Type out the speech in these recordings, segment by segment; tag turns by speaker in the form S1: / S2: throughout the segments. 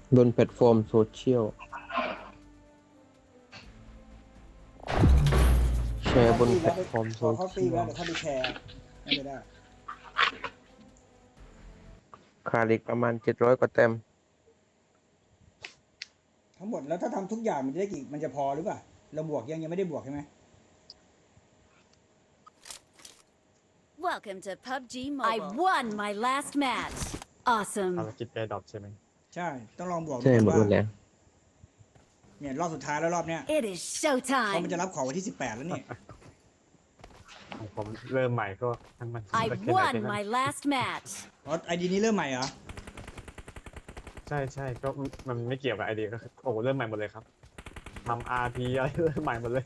S1: บนแพลตฟอร์มโซเชียลแชร์บนแพลตฟอร์มโซ
S2: พอเขาตี
S1: เชีย
S2: แล้ว
S1: ล
S2: เดี๋ยวถ้าไปแชร์น่าจะได้
S1: ขาดอีกประมาณ700 กว่าแต้ม
S2: ทั้งหมดแล้วถ้าทำทุกอย่างมันจะได้กี่มันจะพอหรือเปล่าเราบวกยังไม่ได้บวกใช่ไหม
S3: Welcome to PUBG
S4: I
S3: Mobile.
S4: won my last match. Awesome.
S5: ภารกิจแอร์ดรอปใช่ไหม
S2: ใช่ต้องลองบวก
S1: ใช่หมด
S2: ว่า
S1: แล้ว
S2: เนี่ยรอบสุดท้ายแล้วรอบเนี้ย
S4: It is
S2: เขามันจะ
S4: showtime.
S2: รับของวันที่18แล้วนี่
S5: ผมเริ่มใหม่ก็ทั้งมัน
S4: I
S5: จะเขียนอะไร
S4: won
S5: ไปนั่น
S4: my last match.
S2: อ๋อไอดีนี้เริ่มใหม่เหรอ
S5: ใช่ก็มันไม่เกี่ยวกับไอเดียก็คือโอ้โหเริ่มใหม่หมดเลยครับทำ RP อะไรเริ่มใหม่หมดเลย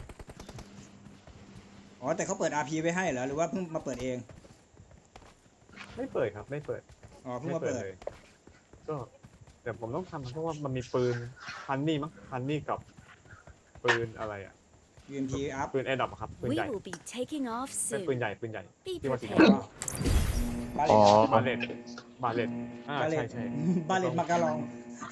S2: อ๋อแต่เขาเปิด RP ไว้ให้เหรอหรือว่าเพิ่งมาเปิดเอง
S5: ไม่เปิดครับไม่เปิด
S2: อ๋อเพิ่ง
S5: ไม่
S2: มาเปิด
S5: เลยก็แต่ผมต้องทำเพราะว่ามันมีปืนฮันนี่มั้งฮันนี่กับปืนอะไรอ่ะ
S2: UMP อัพ
S5: ปืนแอร์ดรอปครับปืน
S3: We
S5: ใหญ่
S3: will be taking off
S5: เป็นปืน
S3: soon.
S5: ใหญ่ปืนใหญ่
S3: Be
S5: ที่ว่าสี
S3: prepared.
S5: ดำ
S2: บาเล
S1: อ๋อ
S2: ต
S5: บาเลตบาเลต
S2: บาเล
S5: ใช่
S2: ต
S5: ใช่
S2: บาเลตมาการอง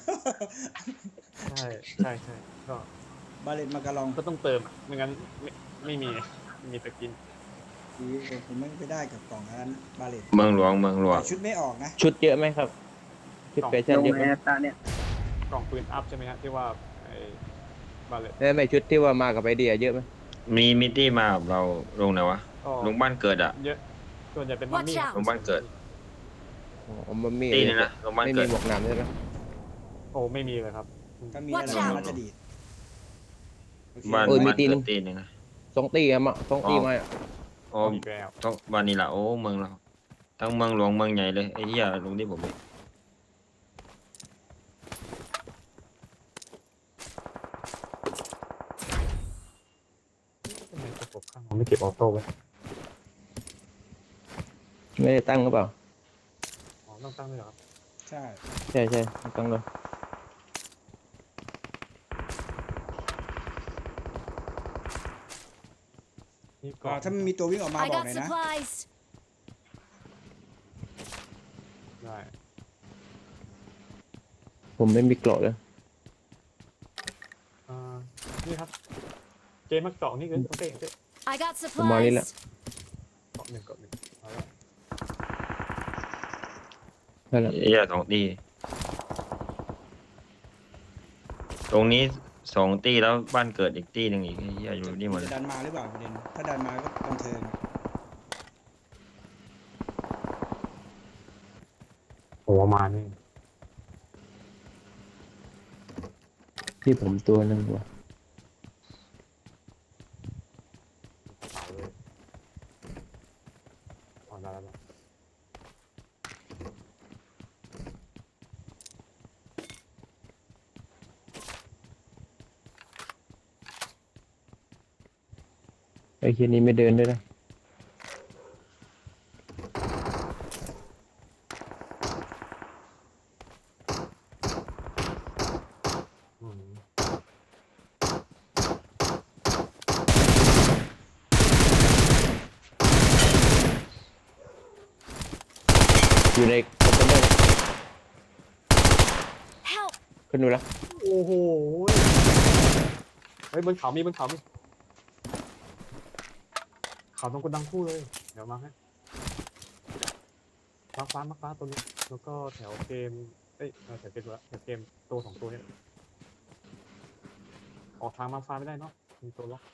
S5: ใช่ก็
S2: บาเลตมาการอง
S5: ก็ต้องเติมอะไม่งั้นไม่มีแต่กิน
S2: ดีแต่ผมไม่ได้กับกล่องอันนั้นบาเลต
S6: เมืองหลวงเมืองหลวง
S2: ชุดไม่ออกนะ
S1: ชุดเยอะไหมครับชุดแฟชั่นเยอะไหม
S5: กล่องปืนอัพใช่ไหมฮะที่ว่าไอ้บาเลต
S1: ไม่ชุดที่ว่ามากับไอเดียเยอะไหม
S6: มีมิตตี้มากับเราลงไหนวะ
S5: ก็
S6: ลงบ้านเกิดอะ
S5: เยอะส่วนใหญ่เป็นมัมมี่
S4: Watch out
S6: ลงบ้านเกิด
S1: อ๋อมันมี
S6: ตีนี่นะลงบ้าน
S1: ไม่
S6: เกิ
S1: มี
S6: ด
S1: หมวกหนามใช่ไหม
S5: โอ้ไม่มีเลยครับ
S2: ถ้ามี
S4: Watch
S2: อะไร
S4: out
S2: มันจะดีดโอเค
S6: บ้าน
S1: เออมี
S6: บ้าน
S1: ตีน
S6: เกิดตีหนึงนะ
S1: 2 ตีอะมา2 ตีมาอะ
S6: โอ้
S5: อีกแล้ว
S6: ต้องบ้านนี้ละโอ้เมืองเราทั้งเมืองหลวงเมืองใหญ่เลยไอ้เหี้ยลงที่ผมเลย
S5: ทำไมประกบข้างผมไม่เก็บออโต้ไว้
S1: ไม่ได้ตั้งหรือเปล่า
S5: อ๋อต้องตั้งด้วยเหรอครับ
S2: ใช่
S1: ใช่ตั้งเลย
S5: นี่
S2: ก็ถ้ามันมีตัววิ่งออกมา
S4: I
S2: บอกห
S4: got
S2: น่อยนะ
S4: supplies.
S5: ได้
S1: ผมไม่มีเกราะเลย
S5: อ่านี่ครับเกมมักเกาะนี่คือโอเค
S4: I got
S1: Marila.
S4: supplies.
S5: เกาะหนึ่งเอาละ
S1: นั่นแหละ
S6: ไอ้เหี้ย2 ตีตรงนี้2 ตีแล้วบ้านเกิดอีกตีหนึ่งอีกไอ้เหี้ยอยู่นี่หมดเล
S2: จะ
S6: ย
S2: ดันมาหรือเปล่าประเด็นถ้าดันมาก็บันเทิง
S5: โอ้มานี่
S1: ที่ผมตัวหนึงว่ะ
S5: เผาเลยอ๋อได้แล้ว
S1: ไอ้เคียนี้ไม่เดินด้วยนะ
S5: อืม
S1: อยู่ในคอนเทนเนอร์
S4: Help.
S1: ขึ้นดูแล้ว
S5: โอ้โหเฮ้ยบนเขามีเขาตรงกระดังคู่เลยเดี๋ยวมาให้มาฟ้าตัวนี้แล้วก็แถวเกมแถวเกมละแถวเกมตัว2 ตัวเนี่ยออกทางมาฟ้าไม่ได้เนาะมีตัวล็อก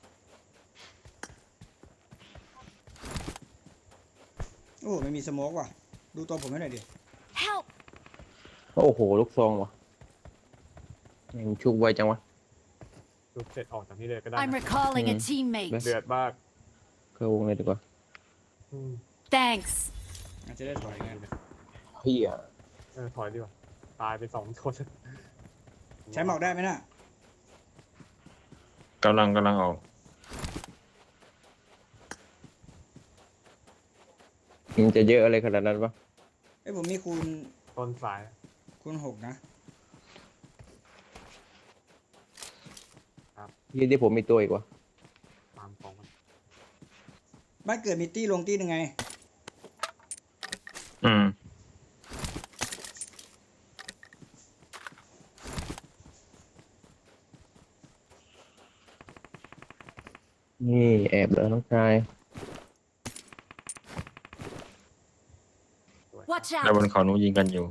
S2: โอ้ไม่มีสโมกว่ะดูตัวผมให้หน่อยดิ
S4: Help.
S1: โอ้โหลูกซองว่ะยังชุบไวจังวะ
S5: ดูเสร็จออกจากนี้เลยก็ได้
S4: I'm
S5: นะ
S4: recalling a
S1: Mm.
S4: teammate.
S5: เดือดมาก
S1: เข้าวงเลยดีกว่า
S5: อืม
S4: Thanks.
S2: อาจจะได้ถอยไง
S1: เฮีย
S5: ถอยดีกว่าตายไป2 คน
S2: ใช้หมอกได้ไหมน่ะ
S6: กำลังออก
S1: มันจะเยอะอะไรขนาดนั้นปะ
S2: เอ้ยผมมีคูณ
S5: ต้นสาย
S2: 6นะ
S1: ยี่ที่ผมมีตัวอีกว่ะ
S5: ตามของมัน
S2: บ้านเกิดมีตี้ลงตี้ยังไง
S6: อืม
S1: นี่แอบเลยน้องชาย
S5: สวย
S4: Watch
S6: แล้วบ
S4: out!
S6: นเขานู้นยิงกันอยู่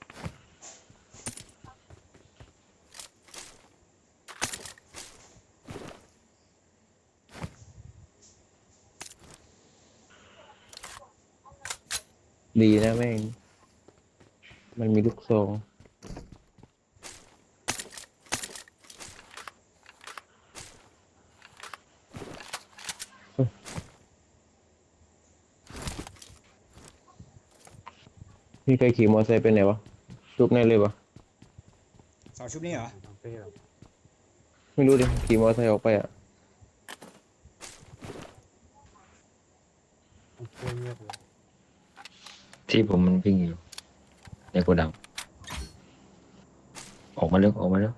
S1: ดีนะแม่ง มันมีลูกซองพี่เคยขี่มอเตอร์ไซค์ไปไหนวะชุบแน่เลยวะ
S2: เสาชุบนี้เหรอ
S5: น้องเต้เหรอ
S1: ไม่รู้ดิขี่มอเตอร์ไซค์ออกไปอ่ะ
S5: น้องเต้เงียบเลย
S6: ที่ผมมันวิ่งอยู่ในโกดังออกมาเร็วออกมาเร็ว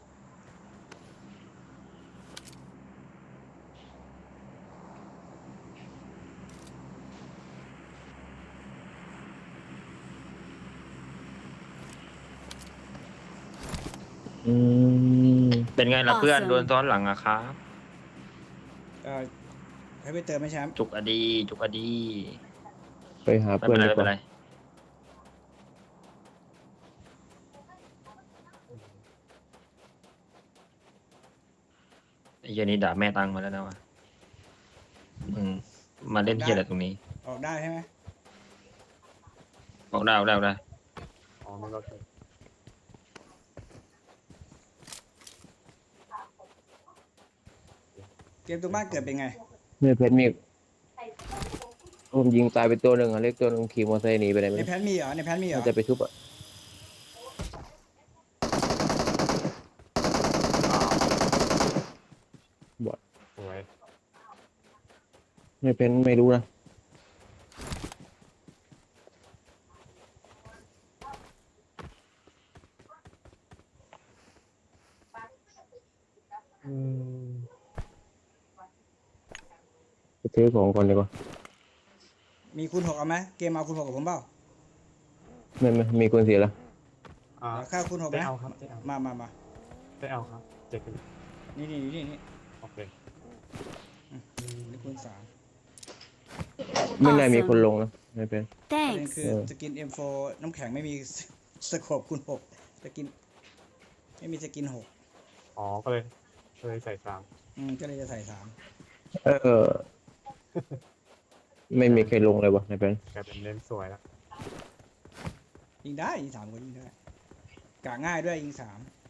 S1: อืม
S6: เป็นไงล่ะเพื่อน
S4: Awesome
S6: โดนซ้อนหลังอะครับ
S2: เออให้ไปเติมไหมแชมป์
S6: จุกอดีจุกอดี
S1: ไปหา
S6: ไม่
S1: เพื่อ
S6: เป็น นไร
S1: ดี
S6: ไม่
S1: ก
S6: เป็น
S1: ว่า
S6: ไรไอ้เหี้ยนี้ด่าแม่ตังมาแล้วนะวะมาเล่นเหี้ยอะไรตรงนี้
S2: ออกได้ใช่ไหม
S6: บอกได้บอกได้บอกได้
S5: อ๋อไม่รอดเลย
S2: เกมตรงบ้านเกิดเป็นไง
S1: เนี่ยเพชรมีผมยิงตายไปตัวหนึ่งอ่ะเล็กตัวหนึ่งขี่มอเตอร์ไซค์หนีไปไหนไม่
S2: ใน
S1: รู้
S2: แพนมีเหรอในแพนมีเหรอ
S1: น่าจะไปชุบอ่ะบอด
S5: สวย
S1: ไม่เป็นไม่รู้นะ
S5: อืม
S1: ไปซื้อของก่อนดีกว่า
S2: มีคูณ 6เอาไหมเกมเอาคูณ 6กับผมเปล่า
S1: ไม่มีคนเสียละ
S5: อ่า
S2: เดี๋ยวค่าคูณ 6ไหม
S5: ได้เอาครับได้เอา
S2: มา
S5: ได้เอาครับเจ็ดกัน
S2: นี่
S5: โอเค
S2: นี่คูณ 3
S1: ไม่น่ามี
S4: Awesome
S1: คนลงนะไม่เป็น
S2: ประเด็น
S4: Thanks.
S2: คือสกิน M4 น้ำแข็งไม่มีสโคปคูณ 6สกินไม่มีสกิน 6
S5: อ๋อก็เลยใส่สาม
S2: ก็เลยจะใส่
S1: เออ ไม่มีใครลงเลยวะไม่เป็น
S5: กลายเป็นเน้นสวยแล้ว
S2: 3ยิงได้ยิง 3ก็ยิงได้กะง่ายด้วยยิง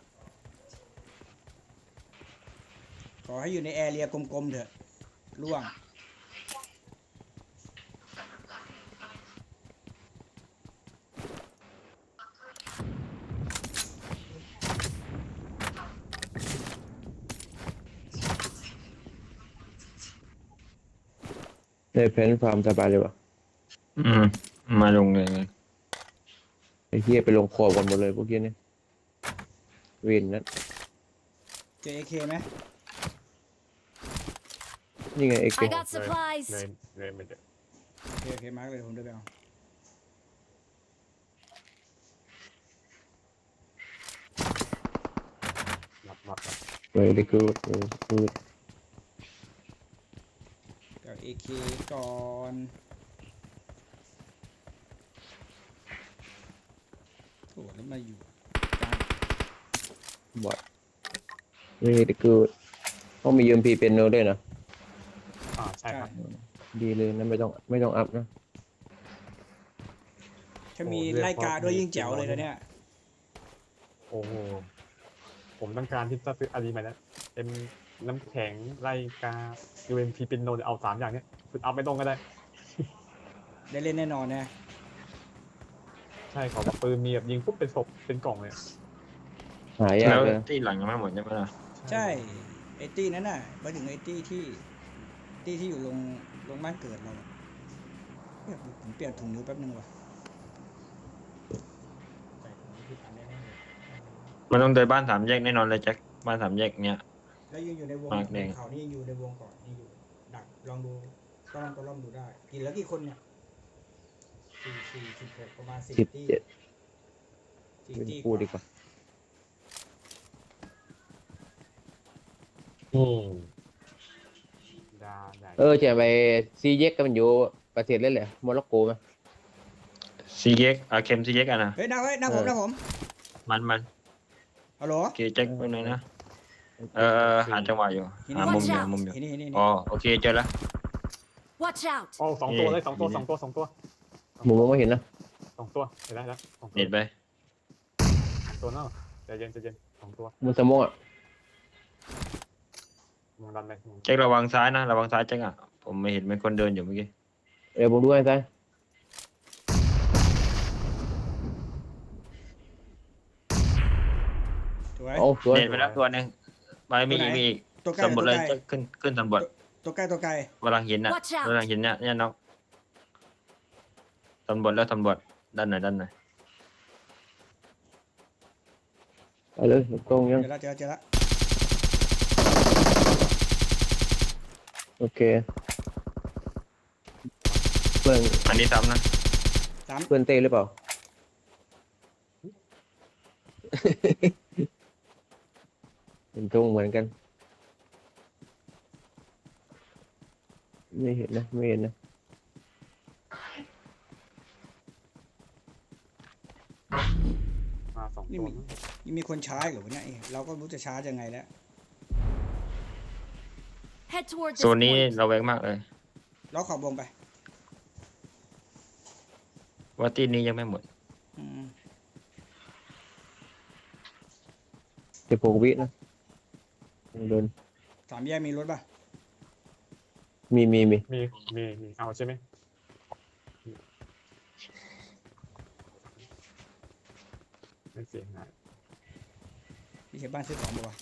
S2: 3ขอให้อยู่ในแอเรียกลมๆเถอะล่วง
S1: ในเพนฟาร์มสบายเลยวะ
S6: มาลงเลย
S1: ไอ้เฮียไปลงคอกันหมดเลยพวกเฮียนี่เวินนั้น
S2: เจอ AK ไหม
S1: นี่ไงเอ็ก
S4: I got supplies.
S5: เลยไม่เจอ
S2: โอเคมาร์กเลยผมเดินไปเอา
S5: รับ
S1: เลยได้กูกู
S2: เอา AK ก่อนโอ้แล้วมาอยู่กลาง
S1: บอดนี่ได้กูเขามียืมพีเป็นโนด้วยนะ
S5: ใช่ครับ
S1: ดีเลยนะไม่ต้องอัพนะ
S2: ถ้ามีไล่กาด้วยยิ่งแจ๋วเลยนะเนี่ย
S5: โอ้โหผมต้องการที่จะซื้ออารีใหม่นะเป็นน้ำแข็งไล่กา UMP เป็นโนเอาสามอย่างเนี้ยคือเอาไม่ตรงก็ได้
S2: ได้เล่นแน่นอนนะ
S5: ใช่ขอแบบปืนมีแบบยิงปุ๊บเป็นศพเป็นกล่องเลยอะ
S1: หายาก
S6: แล้ว
S1: เลย
S6: ที่หลังยังไม่หมดใช่ไหมล่ะ
S2: ใช่ไอตี้นั้นน่ะไปถึงไอตี้ที่อยู่ลงบ้านเกิดเราอะเนี่ยผมเปลี่ยนถุงนิ้วแป๊บนึงว่ะใส่ถุงนิ้วที่ทันแน่ๆเลย
S6: มันต้องเดินบ้านสามแยกแน่นอนเลยแจ็คบ้านสามแยกเนี้ย
S2: แล้วยังอยู่ในวง
S6: มากแดง
S2: เขานี่ยังอยู่ในวงก่อนยังอยู่ดักลองดูก็ลองดูได้กี่แล้วกี่คนเนี่ย16ประมาณ10
S1: 17
S2: ตี้
S1: เป็น
S2: ตี้
S1: กูดีกว่า
S5: อืม
S1: จะไปซีเย็กก็มันอยู่ประเทศเล่นแหละโมร็อกโกไหม
S6: ซีเย็กอาเข็มซีเย็กอ่ะนะ
S2: เฮ้ยหน้าผมหน้าผม
S6: มัน
S2: ฮัลโหล
S6: โอเคเจ๊กไปหน่อยนะหาจังหวะอยู่หามุมอยู่หามุมอยู่
S2: นี่
S6: อ๋อโอเคเจอแล้ว
S4: Watch out!
S5: โอ้สองตัวเลยสองตัวสองตัวสองตัว
S1: ผมมองไม่เห็นนะ
S5: สองตัวเห็นแล้วสองตัว
S6: เน็ตไป
S5: สองตัวเนาะใจเย็นสองตัว
S1: มันสมองอ่ะ
S5: มองดันไป
S6: เจ๊กระวังซ้ายนะระวังซ้ายเจ๊กอ่ะผมไม่เห็นมีคนเดินอยู่เมื่อกี้
S1: เดี๋ยวผมดูให้ซ้าย
S2: สวย
S1: โอ้สวย
S6: เน็ตไปแล้วตัวหนึงไปมีอีก
S2: ตัวใกล้
S6: สำรวจเลย
S2: ตัวไกล
S6: จะขึ้นสำรวจ
S2: ตัวใกล้
S6: กำลังเห็นน่ะ
S4: Watch out
S6: กำลังเห็นเนี่ยน้องสำรวจแล้วสำรวจด้านไหน
S1: ไปเลยตรงยัง
S2: เจอแล้ว
S1: โอเคเพื่อน
S6: อันนี้ซ้ำนะ
S1: เพื่อนเต้หรือเปล่า เป็นตรงเหมือนกันไม่เห็นนะไม่เห็นนะ
S5: มาสอง
S2: นี่
S5: ตัว
S2: มีคนช้าเหรอวะเนี่ยเราก็รู้จะช้ายังไงแล้ว
S4: Head toward
S6: โซ
S4: this
S6: นนี้
S4: point.
S6: เราแวงมากเลย
S2: เราขอบวงไป
S6: ว่าตีนี้ยังไม่หมด
S2: อืม
S1: 16 วินะโดน
S2: สามแยกมีรถป่ะ
S1: มี
S5: มีเอาใช่ไหมไม่เสียหาย
S2: มีเขตบ้านซื้อของป่ะวะ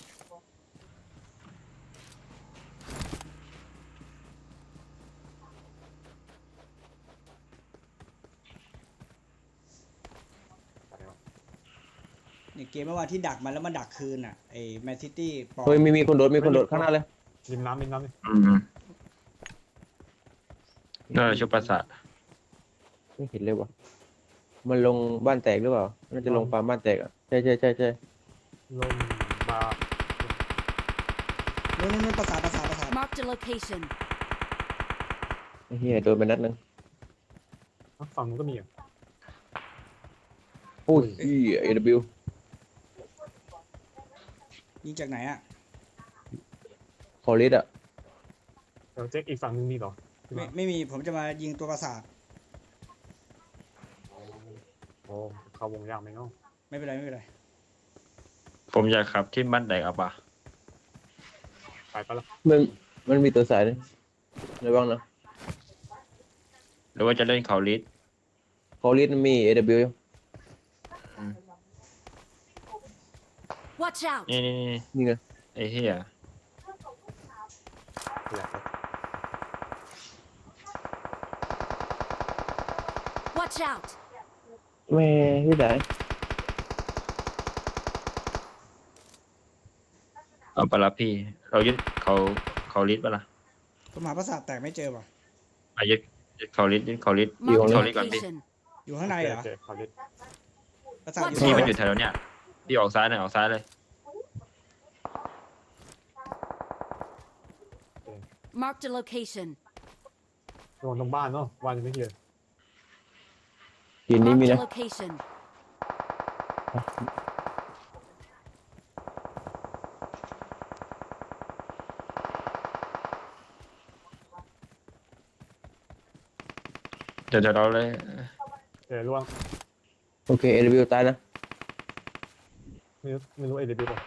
S2: นี่เกมเมื่อวานที่ดักมันแล้วมันดักคืนอ่ะไอ้แมนซิตี้ปอ
S1: เฮ้ยมีคนโดดข้างหน้าเลย
S5: ริมน้ำนี่
S6: น่าจะชุบประสาท
S1: ไม่เห็นเลยวะมันลงบ้านแตกหรือเปล่าน่าจะลงฟาร์มบ้านแตกอ่ะใช่
S5: ลมบา
S2: นู่นประสาท
S4: Marked a location.
S1: ไอ้เฮียโดนไปนัดนึง
S5: ฝั่งนู้นก็มีอ่ะ
S1: โอ้ยAW
S2: ยิงจากไหนอ่ะ
S1: คอริสอ่ะ
S5: เดี๋ยวเจ๊กอีกฝั่งนึงมีเหรอ
S2: ไม่มีผมจะมายิงตัวประสาท
S5: โอ้เข้าวงยากไหมเนาะ
S2: ไม่เป็นไร
S6: ผมอยากขับที่บ้านแตกเอาปะ
S5: ไปปะล่ะ
S1: มันมีตัวสายนี่ระวังนะ
S6: หรือว่าจะเล่นเขาลิส
S1: คอริสมันมี AW อยู่
S4: Watch out!
S6: นี่
S1: นี่ไง
S6: ไอ้เหี้ย
S5: อยากไป
S4: Watch out!
S1: แม่ที่ไหน
S6: เอาปะละพี่ เรายึดเขาลิสปะล่ะ
S2: ผมหาประสาทแตกไม่เจอว่ะ
S6: ยึดเขาลิสยึดเขาลิส
S4: Marked a
S6: Sorry, Gandhi.
S4: location.
S2: อยู่ข้างในเหรอ
S5: โอเคขอลิส
S2: ประสาทอยู่
S6: พี่
S2: ข้าง
S6: มัน
S2: ใน
S6: อยู่แถวเนี้ยพี่ออกซ้ายหน่อยออกซ้ายเลย
S4: Marked a location.
S5: ลงตรงบ้านเนาะบ้านยังไม่เคลียร์
S1: ทีนี้มี
S4: Marked
S1: นะ
S4: a location.
S6: เดี๋ยวเราเลย
S5: เจอล่วง
S1: โอเค AW ตายนะ
S5: ไม่รู้เอเดบิวป่ะ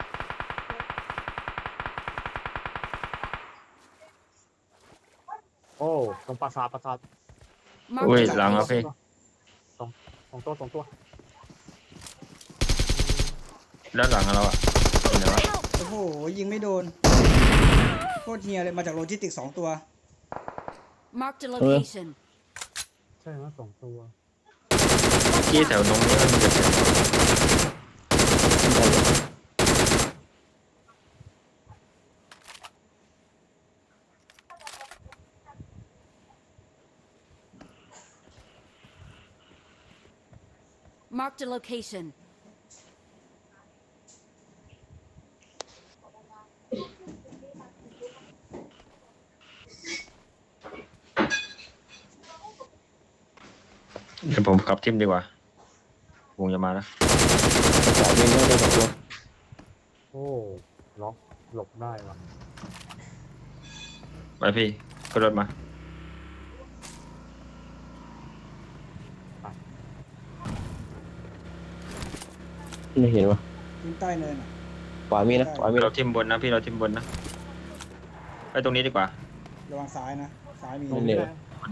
S5: โอ้ตรงปราสาท
S4: Marked
S6: อุ้ย
S4: a
S6: หลังแล้วพี่
S4: location.
S5: สองตัว
S6: ด้านหลังเราอ่ะเห็นไหมวะ
S4: Help!
S2: โอ้โหยิงไม่โดนโคตรเฮียเลยมาจากโลจิสติกส์2 ตัว
S4: Marked a location.
S5: ใช่ไหมสองตัว
S6: ที่แถวตรงนี้มันจะ
S4: Marked a location.
S6: เดี๋ยวผมขับทิมดีกว่า วงจะมาแล้ว
S1: สายวิ่งได้2 ตัว
S5: โอ้ล็อกหลบได้ว่ะ
S6: ไปพี่ขึ้นรถมา
S1: ไม่เห็นวะ
S2: ทิ้งใต้เนินอ่ะ
S1: ขวามีนะขวามี
S6: เรา
S1: นะ
S6: ทิมบนนะพี่เราทิมบนนะ ไปตรงนี้ดีกว่า
S2: ระวังซ้ายนะซ้ายมี
S1: ไม่เหนียว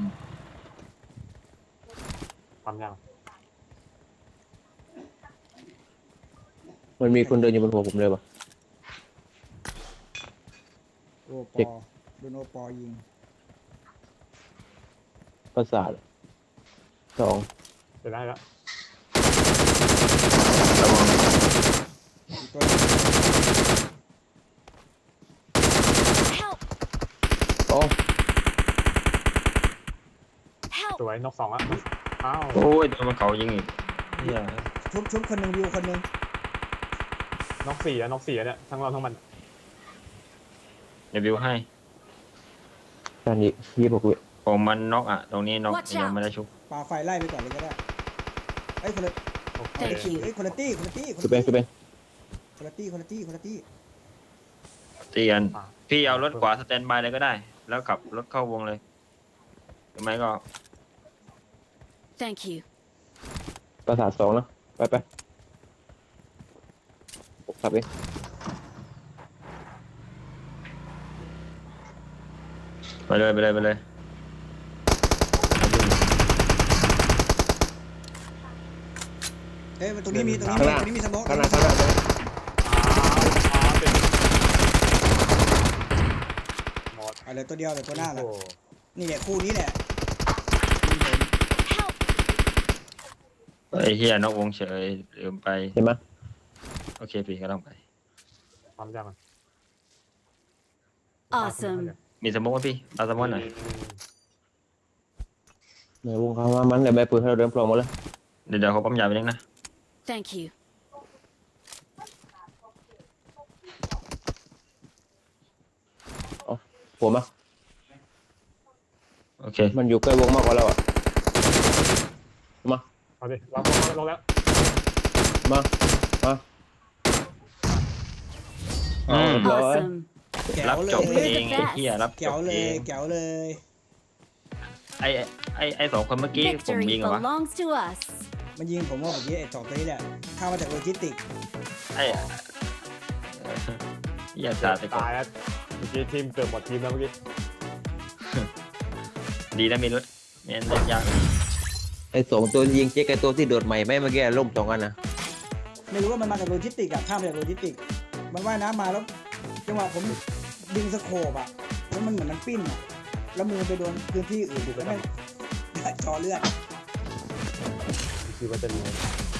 S5: ปั๊มยัง
S1: มันมีคนเดินอยู่บนหัวผมเลยปะ
S2: โอป
S1: เจ็
S2: อบ โดนโอปอยิง
S1: ประสาท2
S5: จะได้แล้ว
S6: ระวัง
S2: อีกตัวหนึ่ง
S4: Help!
S1: โอ้
S4: Help!
S5: สวยนก2อ่ะอ้าว
S6: โอ้ยโดนมันเขายิงอีกเหี้ย
S2: ชุบคนหนึ่งวิวคนหนึ่ง
S5: นก4อ่ะนก4อ่ะเนี่ยทั้งเราทั้งมัน
S6: เดี๋ยววิวให้
S1: การยิง26 วิ
S6: ผมมันน็อกอ่ะ ตรงนี้น็อก
S4: Watch
S6: ยัง
S4: out
S6: ไม่ได้ชุบ
S2: ปาไฟไล่ไปก่อนเลยก็ได้เอ้ยคนละ
S5: โอเค
S4: Thank you
S2: เอ้ยคนละตี้คนละตี้คน
S1: คือ
S2: ละ
S1: เป็น
S2: ตี้
S1: คือเป็น
S2: คนละตี้คนละตี้คนละตี้
S6: ตีกัน พี่เอารถขวาสแตนบายเลยก็ได้ แล้วขับรถเข้าวงเลยหรือไม่ก็
S4: Thank you.
S1: ประสาท2นะไปผมขับเอง
S6: ไปเลยไปเลยไปเลย
S2: เอ้ยตรงนี้มีตรงนี้
S1: ข้าง
S2: มี
S1: หน้า
S2: ตรงนี้มีสโมก
S1: ข้างหน้า
S5: อ้าวเป็นหมด
S2: เอาเหลือตัวเดียวเหลือตัวหน้าละ
S5: โอ้โ
S2: นี่แหละคู่นี้แหละ
S4: Help!
S6: ไอ้เฮียนอกวงเฉยลืมไป
S1: เห็นไหม
S6: โอเคพี่ก็ต้องไป
S5: ปั๊มยังอ่ะ
S4: Awesome.
S6: มีสโมองไหมพี่เอาสโมองหน่อย
S1: ในวงเขามามันเดี๋ยวใบปืนให้เราเดินปลอมหมดเลย
S6: เดี๋ยวเขาปั๊มยาไปนึงนะ
S4: Thank you.
S1: ผมอ่ะ
S6: โอเค
S1: มันอยู่ใกล้วงมากกว่าเราอ่ะมา
S5: เอาดิเราลงแล้ว
S1: มาเอาเรียบร้อย
S4: Awesome.
S2: แก้ว
S6: รับ
S2: เล
S6: จบ
S2: ย
S6: เองไอ้เฮียรับจ
S2: แก้ว
S6: บ
S2: เล
S6: เอย ง
S2: แก้วเลย
S6: ไอ้สองคนเมื่อกี้ผม
S4: Victory
S6: ยิงเหรอวะ
S4: belongs to us.
S2: มันยิงผมว่าเมื่อกี้ไอ้สองตัวนี้แหละเข้ามาจากโลจิสติก
S6: ไอ้เฮียสาดไปก่อน
S5: ตายแล้วเมื่อกี้ทีมเกือบหมดทีมแล้วเมื่อกี้
S6: ดีนะมีรถไม่งั้นเล่นยาก
S1: ไอ้2 ตัวยิงเจ๊กไอ้ตัวที่โดดใหม่ไม่เมื่อกี้ล่ม2 อันนะ
S2: ไม่รู้ว่ามันมาจากโลจิสติกอะข้ามมาจากโลจิสติกมันว่ายน้ำมาแล้วจังหวะผมดึงสโคปอะแล้วมันเหมือนมันปิ้นอะแล้วมือไปโดนพื้นที่อื่นแล้วแม่ง จอเลือด
S5: คิดว่าจะมี